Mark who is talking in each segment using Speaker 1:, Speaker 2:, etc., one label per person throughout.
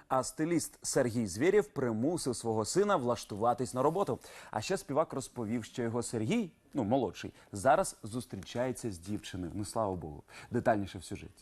Speaker 1: А стиліст Сергій Звєрєв примусив свого сина влаштуватись на роботу. А ще співак розповів, що його Сергій, молодший, зараз зустрічається з дівчиною. Ну, слава Богу. Детальніше в сюжеті.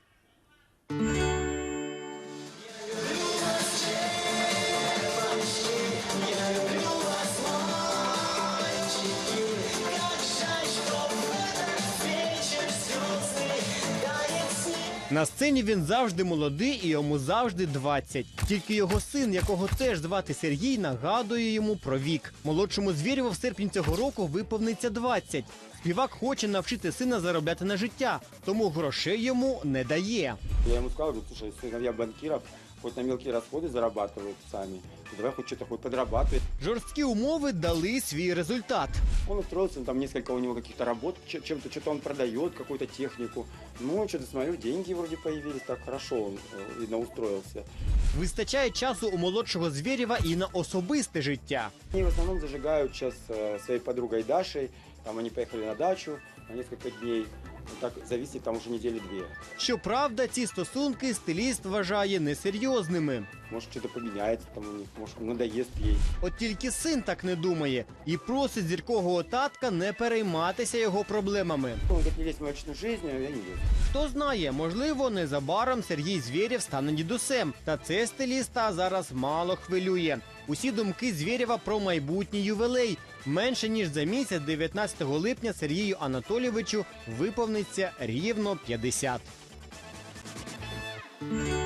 Speaker 2: На сцені він завжди молодий і йому завжди 20. Тільки його син, якого теж звати Сергій, нагадує йому про вік. Молодшому Звєрєву в серпні цього року виповниться 20. Співак хоче навчити сина заробляти на життя, тому грошей йому не дає.
Speaker 3: Я ему сказал, говорю, слушай, сыновья банкиров хоть на мелкие расходы зарабатывают сами, давай хоть что-то хоть подрабатывай.
Speaker 2: Жорсткі умови дали свій результат.
Speaker 3: Он устроился, там несколько у него каких-то работ, чем-то что-то он продает, какую-то технику. Ну, что-то смотрю, деньги вроде появились, так хорошо он, видно, устроился.
Speaker 2: Вистачає часу у молодшого Звєрєва і на особисте життя.
Speaker 3: Они в основном зажигают сейчас своей подругой Дашей, там они поехали на дачу на несколько дней. Так зависит там уже недели-две.
Speaker 2: Щоправда, ці стосунки стиліст вважає несерйозними.
Speaker 3: Может, что-то поменяется там у них, может, надоест ей.
Speaker 2: От тільки син так не думає і просить зіркового татка не перейматися його проблемами.
Speaker 3: Он говорит, не лезь в мою личную жизнь, а я не лезу.
Speaker 2: Хто знає, можливо, незабаром Сергій Звєрєв стане дідусем. Та це стиліста зараз мало хвилює. Усі думки Звєрєва про майбутній ювілей. Менше ніж за місяць, 19 липня, Сергію Анатолійовичу виповниться рівно 50.